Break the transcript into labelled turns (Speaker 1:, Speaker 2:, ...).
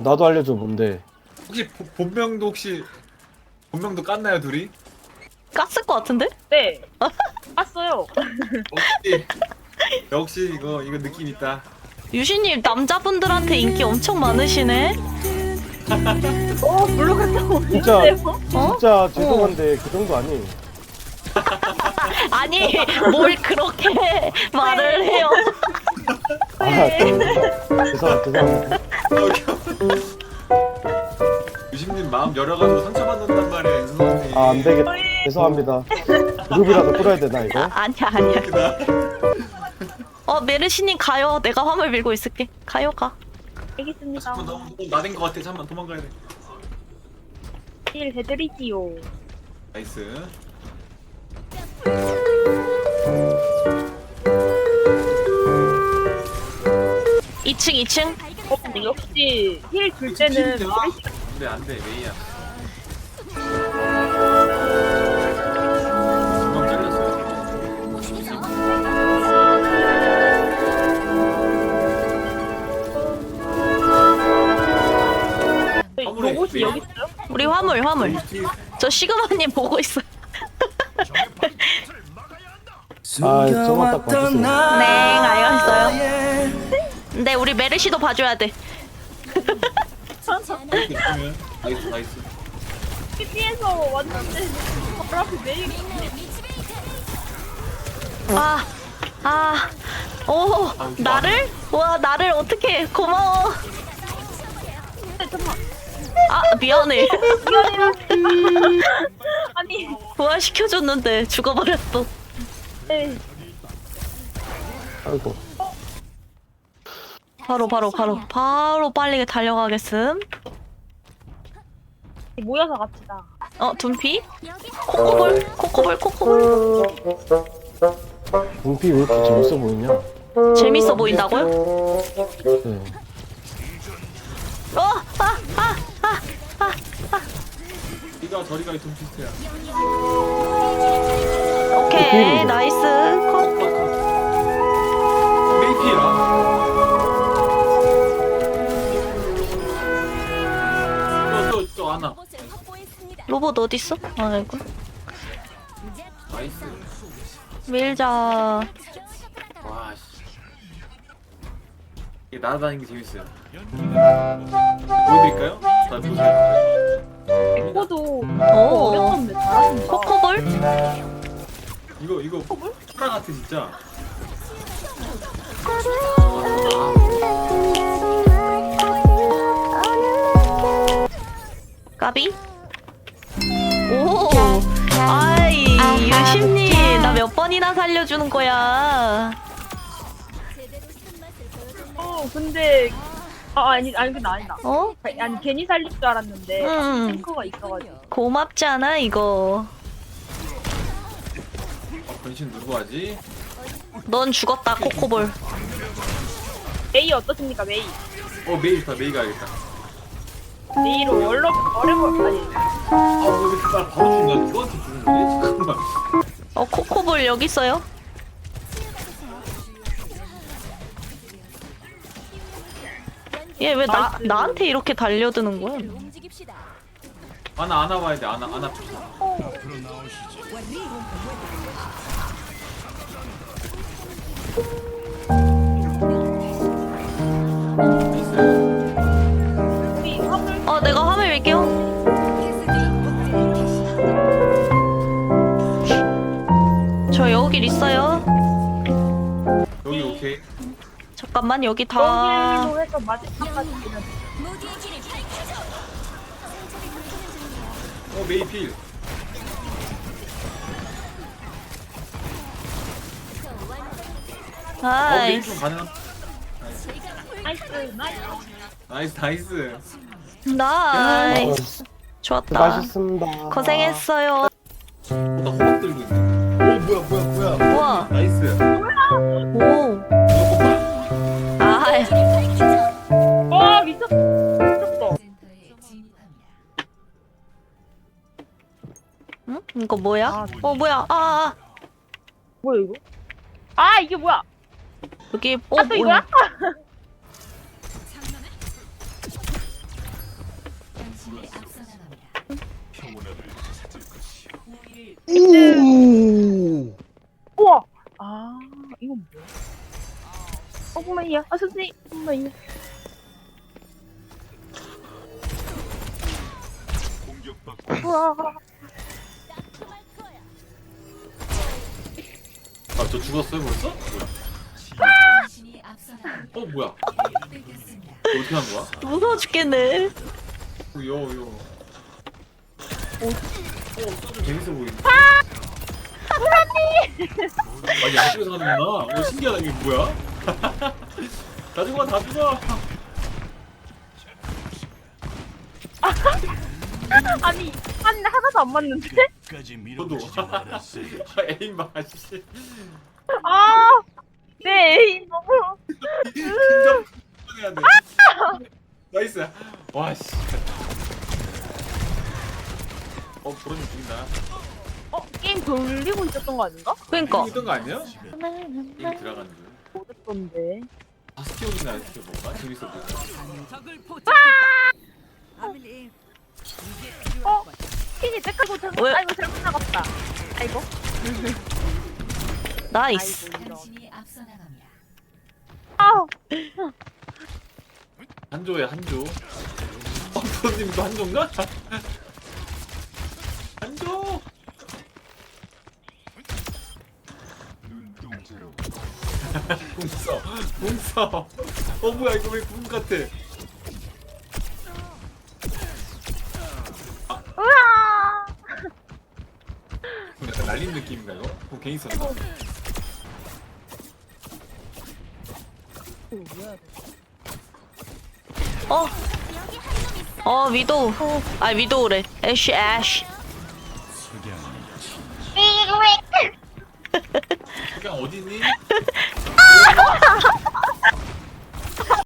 Speaker 1: 나도 알려줘. 뭔데?
Speaker 2: 혹시 본명도 본명도 깠나요 둘이?
Speaker 3: 깠을 것 같은데?
Speaker 4: 네. 봤어요.
Speaker 2: 역시 이거 느낌 있다.
Speaker 3: 유신님 남자분들한테 인기 엄청 많으시네?
Speaker 4: 물로 갔다
Speaker 1: 진짜
Speaker 4: 오는데요?
Speaker 3: 어?
Speaker 1: 진짜 죄송한데 그 정도 아니에요.
Speaker 3: 아니 뭘 그렇게 말을 해요.
Speaker 1: 죄송합니다.
Speaker 2: 유심님 마음 열어가지고 상처받는단 말이에요, 윤선님.
Speaker 1: 아, 안 되겠다. 죄송합니다. 그룹이라도 끌어야 되나 이거?
Speaker 3: 아니야. 메르시님 가요. 내가 화물 밀고 있을게. 가요 가.
Speaker 4: 알겠습니다.
Speaker 2: 잠깐 너무 나댄 것 같아. 잠만 도망가야 돼.
Speaker 4: 일 해드리지요.
Speaker 2: 나이스.
Speaker 3: 2층.
Speaker 4: 근데 역시 힐 줄 때는
Speaker 2: 안돼 메이야. 금방 잘렸어요.
Speaker 4: 로봇이 여기 있어요?
Speaker 3: 우리 화물. 저 시그마님 보고 있어.
Speaker 1: 아, 저만 딱 봐주세요.
Speaker 3: 네, 알겠어요. 근데 우리 메르시도 봐줘야 돼.
Speaker 2: 나이스.
Speaker 4: TV에서 왔는데 바로 앞에 메일
Speaker 3: 오, 나를? 와, 나를 어떻게 고마워.
Speaker 4: 잠깐만.
Speaker 3: 미안해.
Speaker 4: 아니
Speaker 3: 부활시켜줬는데 죽어버렸어.
Speaker 4: 네.
Speaker 1: 아이고.
Speaker 3: 바로 빨리 달려가겠음.
Speaker 4: 모여서 갑시다.
Speaker 3: 둔피? 코코볼.
Speaker 1: 눈피 왜 이렇게 재밌어 보이냐?
Speaker 3: 재밌어 보인다고요?
Speaker 1: 네.
Speaker 2: 이가 저리가 좀 비슷해요.
Speaker 3: 오케이, 나이스.
Speaker 2: 메이피라. 또 하나.
Speaker 3: 로봇 어딨어? 아이고.
Speaker 2: 나이스.
Speaker 3: 밀자.
Speaker 2: 와 씨. 이게 날아다니는 게 재밌어요. 보여드릴까요? 다 보세요.
Speaker 4: 에코도
Speaker 3: 오,
Speaker 4: 어렵던데 잘하신다.
Speaker 3: 코코볼?
Speaker 2: 이거 초라 같아 진짜.
Speaker 3: 까비? 오, 아이, 유심님, 나 몇 번이나 살려주는 거야.
Speaker 4: 근데 아니 근데 아니다.
Speaker 3: 어?
Speaker 4: 아니 괜히 살릴 줄 알았는데 탱커가 있어가지고.
Speaker 3: 고맙지 않아, 이거.
Speaker 2: 변신 누구 하지?
Speaker 3: 넌 죽었다, 코코볼.
Speaker 4: 메이 어떻습니까 메이?
Speaker 2: 메이 좋다. 메이 가야겠다.
Speaker 4: 메이로 어려워 아니.
Speaker 2: 왜 이렇게 날 바로 죽는 거야? 누구한테 죽는 거지? 잠깐만.
Speaker 3: 코코볼 여기 있어요. 얘 왜 나한테 이렇게 달려드는 거야?
Speaker 2: 아나 봐야 돼. 아나 봅시다.
Speaker 4: 우리 화물
Speaker 3: 내가 화면 밀게요. 저 여길 있어요.
Speaker 2: 여기 오케이.
Speaker 3: 잠깐만, 여기 다.
Speaker 4: 여기로 해서 마지막까지 그냥
Speaker 2: 메이 필. 메이 좀
Speaker 3: 나이스.
Speaker 2: 가능.
Speaker 4: 나이스.
Speaker 3: 나이스. 좋았다.
Speaker 1: 수고하셨습니다.
Speaker 3: 고생했어요.
Speaker 2: 나 호박 들고 있네. 뭐야.
Speaker 3: 우와.
Speaker 2: 나이스.
Speaker 3: 오.
Speaker 4: 와 미쳤어.
Speaker 3: 응? 이거 뭐야? 뭐야?
Speaker 4: 뭐야 이거? 이게 뭐야?
Speaker 3: 여기
Speaker 4: 또 이거야? 우와. 아 이건 뭐야? 엄마야. 아 선생님. 엄마야. 우와.
Speaker 2: 아, 저 죽었어요 벌써? 뭐야? 뭐야? 어떻게 한 거야?
Speaker 3: 무서워 죽겠네.
Speaker 2: 요. 좀 재밌어 보이네. 아니 양쪽에서 가는구나. 신기하다. 이게 뭐야? 다 죽어, 다 죽어.
Speaker 4: 아니 하나도 안 맞는데?
Speaker 2: 저도. 에임 봐, 씨.
Speaker 4: 아. 네 에이, 너무.
Speaker 2: 긴장해야 돼. 나이스. 와 씨. 보름이 죽인다.
Speaker 4: 게임 돌리고 있었던 거 아닌가?
Speaker 3: 그러니까.
Speaker 2: 있던 거 아니야? 게임 들어가는 줄.
Speaker 4: 못했던데.
Speaker 2: 스티어이나 스티어 뭔가 재밌어 보여.
Speaker 4: 퀸이 떼끌고 잘못.
Speaker 3: 왜?
Speaker 4: 아이고 잘못 나갔다. 아이고.
Speaker 3: 나이스.
Speaker 4: 아이고 이런. 아.
Speaker 2: 한조에 한조. 프로님도 한조인가? 한조. 궁서. 뭐야 이거 왜 궁 같아?
Speaker 4: 으아.
Speaker 2: 약간 날린 느낌인가 이거? 괜히 썼나?
Speaker 3: 위도우. 아, 위도우래. 애쉬.
Speaker 2: 그냥 어디니?